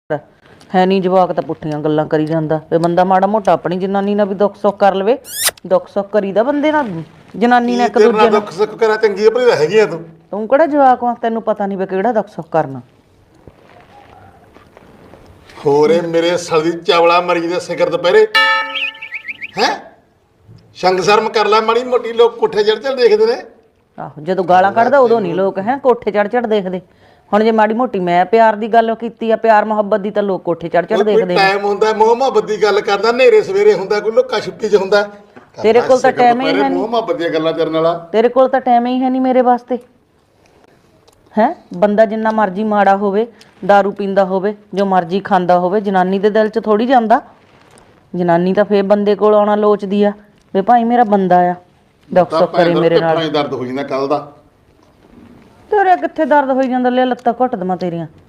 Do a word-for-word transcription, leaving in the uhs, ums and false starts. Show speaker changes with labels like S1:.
S1: ਹੈ ਨਹੀਂ ਜਵਾਕ ਤਾਂ ਪੁੱਠੀਆਂ ਗੱਲਾਂ ਕਰੀ ਜਾਂਦਾ ਵੇ। ਬੰਦਾ ਮਾੜਾ ਮੋਟਾ ਆਪਣੀ ਜਨਾਨੀ ਨਾਲ ਵੀ ਦੁੱਖ ਸੁੱਖ ਕਰ ਲਵੇ। ਦੁੱਖ ਸੁੱਖ ਕਰੀਦਾ ਬੰਦੇ ਨਾਲ, ਜਨਾਨੀ ਨਾਲ ਇੱਕ
S2: ਤੇਰੇ
S1: ਦੂਜੇ
S2: ਨਾਲ
S1: ਨਾਲ।
S2: ਦੁੱਖ ਸੁੱਖ ਕਰਾਂ ਚੰਗੀ ਭਲੀ ਹੈਗੀ ਆ ਤੂੰ।
S1: ਤੂੰ ਕਿਹੜਾ ਜਵਾਕ ਵਾ, ਤੈਨੂੰ ਪਤਾ ਨਹੀਂ ਵੇ ਕਿਹੜਾ ਦੁੱਖ ਸੁੱਖ ਕਰਨਾ।
S2: ਹੋਰ ਇਹ ਮੇਰੇ ਸਲ ਦੀ ਚਾਵਲਾ ਮਰੀ ਦੇ ਸਿਖਰ ਦੁਪਹਿਰੇ ਹੈ। ਸ਼ੰਗ ਸ਼ਰਮ ਕਰ ਲੈ ਮਾੜੀ ਮੋਟੀ, ਲੋਕ ਕੋਠੇ ਚੜ ਚੜ ਦੇਖਦੇ ਨੇ।
S1: ਆਹੋ ਜਦੋਂ ਗਾਲਾਂ ਕੱਢਦਾ ਉਦੋਂ ਨਹੀਂ ਲੋਕ ਹੈ ਕੋਠੇ ਚੜ ਚੜ ਦੇਖਦੇ। ਹੁਣ ਜੇ ਮਾੜੀ ਮੋਟੀ ਮੈਂ ਪਿਆਰ ਦੀ ਗੱਲ ਕੀਤੀ ਆ, ਪਿਆਰ ਮੁਹੱਬਤ ਦੀ, ਤਾਂ ਲੋਕ ਕੋਠੇ ਚੜ ਚੜ ਦੇਖਦੇ ਨੇ।
S2: ਟਾਈਮ ਹੁੰਦਾ ਮੋਹ ਮੁਹੱਬਤ ਦੀ ਗੱਲ ਕਰਦਾ, ਨੇਰੇ ਸਵੇਰੇ ਹੁੰਦਾ, ਕੋਈ ਲੋਕਾਂ ਛੁੱਟੀ 'ਚ ਹੁੰਦਾ।
S1: ਤੇਰੇ ਕੋਲ ਤਾਂ ਟਾਈਮ ਹੀ ਹੈ ਨਹੀਂ।
S2: ਮੋਹ ਮੁਹੱਬਤ ਦੀਆਂ ਗੱਲਾਂ ਕਰਨ ਵਾਲਾ
S1: ਤੇਰੇ ਕੋਲ ਤਾਂ ਟਾਈਮ ਹੀ ਹੈ ਨਹੀਂ ਮੇਰੇ ਵਾਸਤੇ। ਹੈ ਬੰਦਾ ਜਿੰਨਾ ਮਰਜ਼ੀ ਮਾੜਾ ਹੋਵੇ, दारू ਪੀਂਦਾ ਹੋਵੇ, ਜੋ ਮਰਜ਼ੀ ਖਾਂਦਾ ਹੋਵੇ, ਜਨਾਨੀ ਦੇ ਦਿਲ 'ਚ ਥੋੜੀ ਜਾਂਦਾ। ਜਨਾਨੀ ਤਾਂ ਫੇਰ ਬੰਦੇ ਕੋਲ ਆਉਣਾ ਲੋਚਦੀ ਆ ਵੀ ਭਾਈ ਮੇਰਾ ਬੰਦਾ ਆ, ਦੁੱਖ ਸੁੱਖ ਕਰੇ ਮੇਰੇ ਨਾਲ।
S2: ਦਰਦ ਹੋ ਜਾਂਦਾ ਕੱਲ ਦਾ।
S1: ਤੇਰੇ ਕਿੱਥੇ ਦਰਦ ਹੋਈ ਜਾਂਦਾ, ਲੈ ਲੱਤਾਂ ਘੁੱਟ ਦੇਵਾਂ ਤੇਰੀਆਂ।